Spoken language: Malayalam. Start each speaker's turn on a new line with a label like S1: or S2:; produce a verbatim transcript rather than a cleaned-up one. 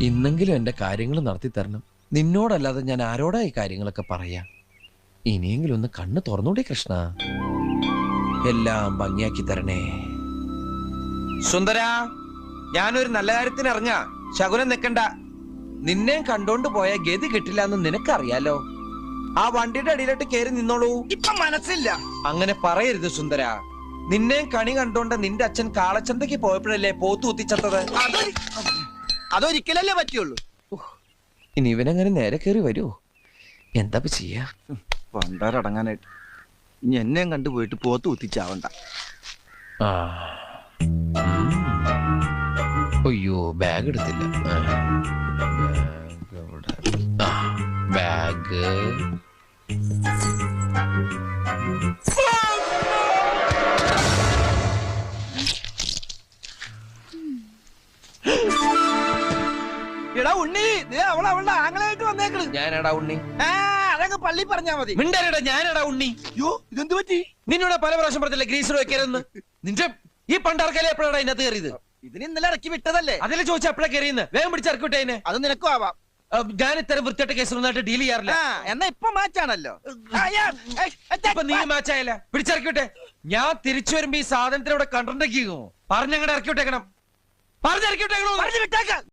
S1: ഇന്നെങ്കിലും എന്റെ കാര്യങ്ങൾ നടത്തി തരണം. നിന്നോടല്ലാതെ ഞാൻ ആരോടാ ഈ കാര്യങ്ങളൊക്കെ പറയാ? ഇനിയെങ്കിലും ഒന്ന് കണ്ണ് തുറന്നൂടെ കൃഷ്ണ? എല്ലാം ഭംഗിയാക്കി തരണേ. സുന്ദര, ഞാനൊരു നല്ല കാര്യത്തിന് ഇറങ്ങാ. ശകുനം നിക്കണ്ട. നിന്നെ കണ്ടോണ്ട് പോയ ഗതി കിട്ടില്ല എന്ന് നിനക്കറിയാലോ. ആ വണ്ടിയുടെ അടിയിലോട്ട് കയറി നിന്നോളൂ.
S2: ഇപ്പൊ മനസ്സില്ല.
S1: അങ്ങനെ പറയരുത് സുന്ദര. നിന്നെ കണി കണ്ടോണ്ട് നിന്റെ അച്ഛൻ കാളച്ചന്തയ്ക്ക് പോയപ്പോഴല്ലേ പോത്തു കുത്തിച്ചത്തത്?
S2: അതൊരിക്കലല്ലേ പറ്റുള്ളൂ.
S1: ഇനി ഇവനങ്ങനെ നേരെ കയറി വരുമോ? എന്താ ചെയ്യാ?
S2: പണ്ടാരടങ്ങാനായിട്ട് ഇനി എന്നെയും കണ്ടുപോയിട്ട് പോത്ത് കുത്തിച്ചാവണ്ട.
S1: ആ, അയ്യോ, ബാഗ് എടുത്തില്ല. ബാഗ് എവിടെ? ആ, ബാഗ്.
S2: എടാ ഉണ്ണി, അവൾ അവളുടെ ആങ്ങളായിട്ട് വന്നേക്കണ്.
S1: ഞാനടാ ഉണ്ണി.
S2: ആ, അതങ്ങ് പള്ളി പറഞ്ഞാ മതി.
S1: മിണ്ടരടാ, ഞാനടാ ഉണ്ണി.
S2: യോ, ഇതെന്ത് പറ്റി?
S1: നിന്നോട് പല പ്രാവശ്യം പറഞ്ഞില്ല ഗ്രീസർ വെക്കരുതെന്ന്. നിന്റെ ഈ പണ്ടാർക്കല്ലേ എപ്പോഴാണ് അതിനകത്ത് കയറിയത്?
S2: ഇതിന് ഇന്നലെ ഇറക്കി വിട്ടതല്ലേ.
S1: അതിലെ ചോദിച്ചാ എപ്പോഴാ കയറിയെന്ന്? വേഗം പിടിച്ചിറക്കിട്ടെ അതിനെ.
S2: അത് നിനക്കും ആവാം.
S1: ഞാൻ ഇത്തരം വൃത്തിയായിട്ട് കേസൊന്നായിട്ട് ഡീൽ ചെയ്യാറില്ല.
S2: എന്നാ ഇപ്പൊ മാച്ചാണല്ലോ.
S1: ഇപ്പൊ നീ മാച്ചായല്ല. പിടിച്ചിറക്കിട്ടെ. ഞാൻ തിരിച്ചു വരുമ്പോ ഈ സാധനത്തിനോടെ കണ്ടിട്ടുണ്ടെങ്കിൽ പറഞ്ഞങ്ങടെ ഇറക്കി വിട്ടേക്കണം. പറഞ്ഞിറക്കി വിട്ടേക്കണോ?